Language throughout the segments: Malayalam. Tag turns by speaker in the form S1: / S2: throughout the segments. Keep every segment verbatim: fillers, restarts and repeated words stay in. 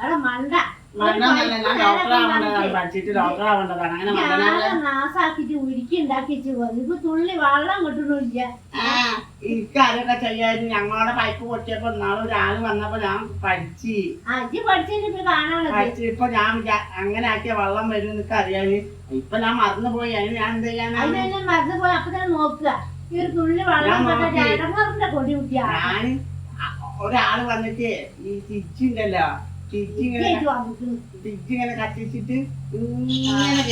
S1: നാസാക്കിട്ട് ഉരുക്കി ഉണ്ടാക്കിച്ച് ഇപ്പൊ തുള്ളി വെള്ളം കിട്ടണില്ല.
S2: ഇക്കാരൊക്കെ ചെയ്യാൻ ഞങ്ങളുടെ പൈപ്പ് പൊട്ടിയപ്പോ നാളെ ഒരാള് വന്നപ്പോ ഞാൻ പഠിച്ച് പഠിച്ച് ഇപ്പൊ ഞാൻ അങ്ങനെ ആക്കിയ വെള്ളം വരും എന്നൊക്കെ അറിയാന്. ഇപ്പൊ ഞാൻ മറന്നു പോയി. അതിന് ഞാൻ എന്ത് ചെയ്യാൻ
S1: മറന്നു പോയി. അപ്പൊ തന്നെ നോക്കുക ഈ ഒരു തുള്ളി വെള്ളം കൊടി കുട്ടിയാ.
S2: ഞാൻ ഒരാള് വന്നിട്ട് ഈ തിരിച്ചുണ്ടല്ലോ തിരിച്ചിങ്ങനെ തിരിച്ചിങ്ങനെ കത്തിച്ചിട്ട് ഇങ്ങനെ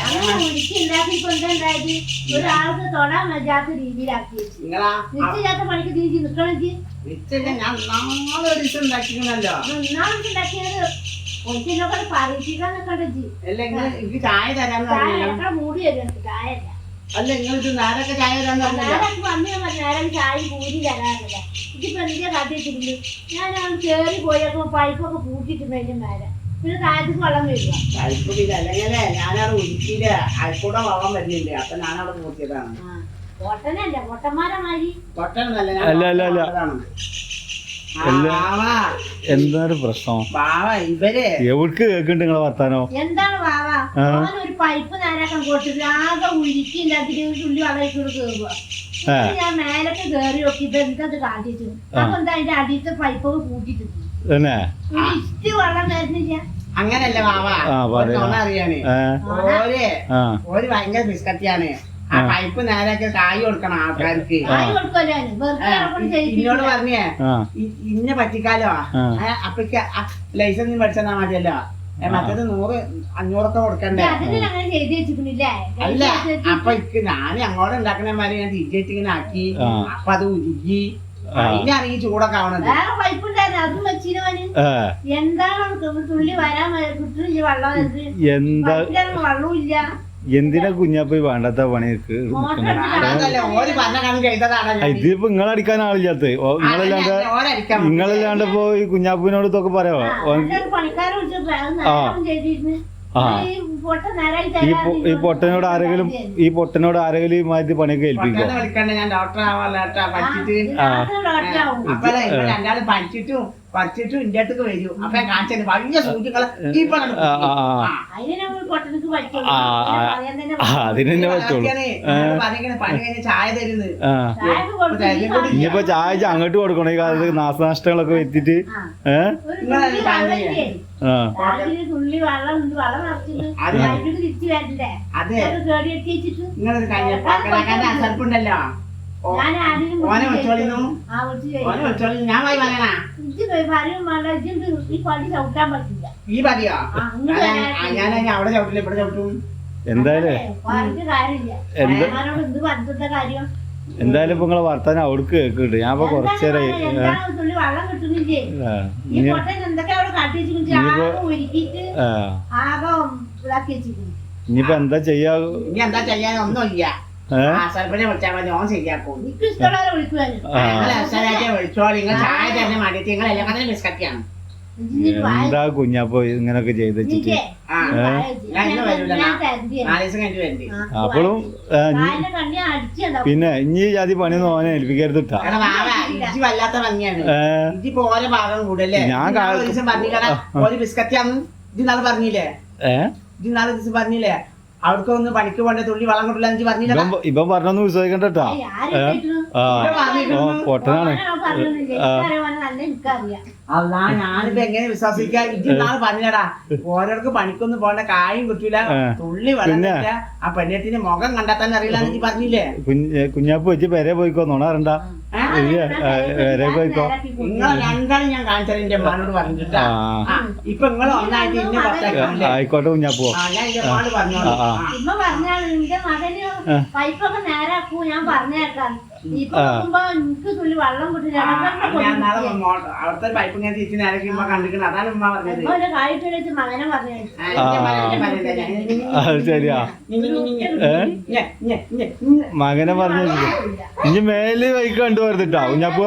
S1: ഒരാൾക്ക് തൊടാൻ പറ്റാത്ത രീതിയിലാക്കി നിശ്ചയില്ലാത്ത പണിക്ക് തിരിച്ച് നിക്കണെങ്കിൽ
S2: ഞാൻ നാളെ ഒരു ദിവസം ഉണ്ടാക്കിക്കണല്ലോ.
S1: ഉണ്ടാക്കിയത് ഒന്നിനൊക്കെ പരീക്ഷിക്കാൻ നിക്കണ്ടി
S2: എനിക്ക് ചായ തരാന്ന്
S1: മൂടി തരും. ചായ
S2: അല്ല നിങ്ങൾക്ക് നേരൊക്കെ ചായ തരാന്ന്
S1: നേരം ചായ പൂരി തരാറില്ല. ഇതിപ്പോ എന്തിനാ കാട്ടിയിട്ടുണ്ട്. ഞാൻ കേറി പോയപ്പോ പൈപ്പൊക്കെ പൂട്ടിട്ടുണ്ട് മേലെ. പിന്നെ താഴത്തേക്ക് വെള്ളം വരിക.
S2: പൈപ്പ് അല്ലെങ്കിലേ ഞാനവിടെ ഉരുക്കിയില്ല. അയക്കൂടെ വെള്ളം വരുന്നില്ല. അപ്പൊ ഞാനവിടെ പൂട്ടിയതാണ്.
S1: പൊട്ടനല്ല പൊട്ടന്മാരമാരി
S2: പൊട്ടനല്ല.
S3: എന്താണ് പ്രശ്നം?
S2: ഇവര്
S3: എവിടേക്ക് കേൾക്കുന്നുണ്ട് നിങ്ങളെ വർത്താനോ?
S1: എന്താണ് വാവ ഒരു പൈപ്പ് നേരാക്കാൻ കൊടുത്തിട്ട് ആകെ ഉരുക്കി ഉണ്ടാക്കിട്ട് ഒരു തുള്ളി വെള്ളം കേറുക. ഞാൻ മേലൊക്കെ കേറി നോക്കി ഇപ്പൊ എന്തത് കാട്ടിച്ചു. അപ്പൊ എന്താ അതിന്റെ അടിയത്തെ പൈപ്പൊക്കെ പൂട്ടിട്ടുണ്ട്. ഇഷ്ട വെള്ളം വരുന്നില്ല.
S2: അങ്ങനല്ല വാവാ അറിയാന്. ഓര് ഓര് ഭയങ്കര ബിസ്കറ്റിയാണ്. ആ പൈപ്പ് നേരൊക്കെ കായ് കൊടുക്കണം ആൾക്കാർക്ക്. ഇന്നോട് പറഞ്ഞേ ഇന്നെ പറ്റിക്കാലോ. അപ്പൊക്ക് ലൈസൻസ് പഠിച്ചാ മതിയല്ലോ. മറ്റേത് നൂറ് അഞ്ഞൂറൊക്കെ കൊടുക്കണ്ടേ? അല്ല അപ്പൊ ഇക്ക് ഞാൻ അങ്ങോട്ട് ഉണ്ടാക്കണമാര് ഞാൻ തിരിച്ചിട്ട് ഇങ്ങനെ ആക്കി. അപ്പൊ അത് ഉരുകി അതിനാണ് ഈ ചൂടൊക്കെ ആവണത്.
S1: എന്താണ് തുള്ളി വരാൻ കിട്ടുന്നില്ല വെള്ളം. വെള്ളവും ഇല്ല.
S3: എന്തിനാ കുഞ്ഞാപ്പ വേണ്ടാത്ത പണിക്ക് ഇതിപ്പോ നിങ്ങളടിക്കാൻ ആളില്ലാത്ത നിങ്ങളല്ലാണ്ട് നിങ്ങളല്ലാണ്ട് ഇപ്പൊ ഈ കുഞ്ഞാപ്പിനോട് ഇതൊക്കെ പറയാവോ? ഈ പൊട്ടനോട് ആരെങ്കിലും ഈ പൊട്ടനോട് ആരെങ്കിലും മാറ്റി പണിയൊക്കെ ഏൽപ്പിക്കോ?
S2: രണ്ടാളും പഠിച്ചിട്ടും പഠിച്ചിട്ടും ഇന്ത്യ അടുത്തേക്ക് വരൂ. അപ്പൊ കാണിച്ചത് വലിയ സൂചികളെ
S3: അതിനെന്നെ പറ്റുള്ളൂ.
S2: ചായ തരുന്നത്
S3: ഇനിയിപ്പോ ചായ അങ്ങോട്ട് കൊടുക്കണം. ഈ കാലത്ത് നാശനഷ്ടങ്ങളൊക്കെ എത്തിയിട്ട് ഏഹ്
S2: അസർപ്പുണ്ടല്ലോ ഈ പതിയോ ഞാൻ അവിടെ ചവിട്ടില്ല ഇവിടെ ചവിട്ടും.
S3: എന്തായാലും എന്തായാലും ഇപ്പൊ നിങ്ങളെ വർത്താനം അവിടേക്ക് കേൾക്കുന്നുണ്ട്. ഞാൻ ഇപ്പൊ കുറച്ചേരായി ഇനിയിപ്പോ എന്താ ചെയ്യാ?
S2: എന്താ ചെയ്യാൻ ഒന്നുമില്ല.
S3: എന്താ കുഞ്ഞാപ്പോ ഇങ്ങനൊക്കെ ചെയ്ത് വെച്ചിട്ട് അപ്പോഴും പിന്നെ ഇനി ജാതി പണിയൊന്നും ഓനെ ഏൽപ്പിക്കരുത്.
S2: ഞാൻ പറഞ്ഞില്ലേ ഏഹ് നാളെ ദിവസം പറഞ്ഞില്ലേ അവർക്ക് ഒന്ന് പണിക്ക് പോണ്ടേ തുള്ളി വളം കൊണ്ടില്ല പറഞ്ഞില്ല.
S3: ഇപ്പം പറഞ്ഞൊന്നും വിശ്വസിക്കണ്ടോ? പൊട്ടനാണ്.
S2: അല്ലാ ഞാനിപ്പോ എങ്ങനെ വിശ്വസിക്കാ? ഇത് നാളെ പറഞ്ഞടാ ഓരോർക്ക് പണിക്കൊന്നും പോണ്ട കായും കിട്ടൂല തുള്ളി വെള്ളം കിട്ടില്ല. ആ പെണ്ണത്തിന്റെ മുഖം കണ്ടാ തന്നെ അറിയില്ല എന്ന് പറഞ്ഞില്ലേ?
S3: കുഞ്ഞാപ്പ് വെച്ച് പെരെ പോയിക്കോ നോണാറണ്ട വരെ പോയിക്കോ.
S2: നിങ്ങളെ രണ്ടാളും ഞാൻ കാണിച്ചത് എന്റെ അമ്മാനോട് പറഞ്ഞിട്ടാ. ഇപ്പൊ നിങ്ങൾ ഒന്നായിട്ട് ഇന്നെ പുറത്തേക്ക്
S3: ആയിക്കോട്ടെ കുഞ്ഞാപ്പോ.
S2: ഞാൻ എന്റെ അമ്മാനോട് പറഞ്ഞോളൂ.
S1: ഇമ്മ പറഞ്ഞാൽ നിന്റെ മകന് പൈപ്പൊക്കെ നേരാക്കൂ ഞാൻ പറഞ്ഞേക്കാം.
S2: അവിടുത്തെ പൈപ്പ് ഞാൻ തിരിച്ച് നേരക്കുമ്പോ കണ്ടിരിക്കണം. അതാണ് ഉമ്മ പറഞ്ഞത്.
S3: ശരിയാ മകനെ പറഞ്ഞു. ഇനി മേല് വൈക്ക് കണ്ടു പറഞ്ഞിട്ടാ കുഞ്ഞാപ്പോ.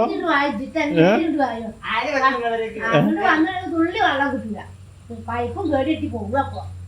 S1: തുള്ളി വെള്ളം കിട്ടില്ല. പൈപ്പും കേടിയിട്ട് പോകും. അപ്പൊ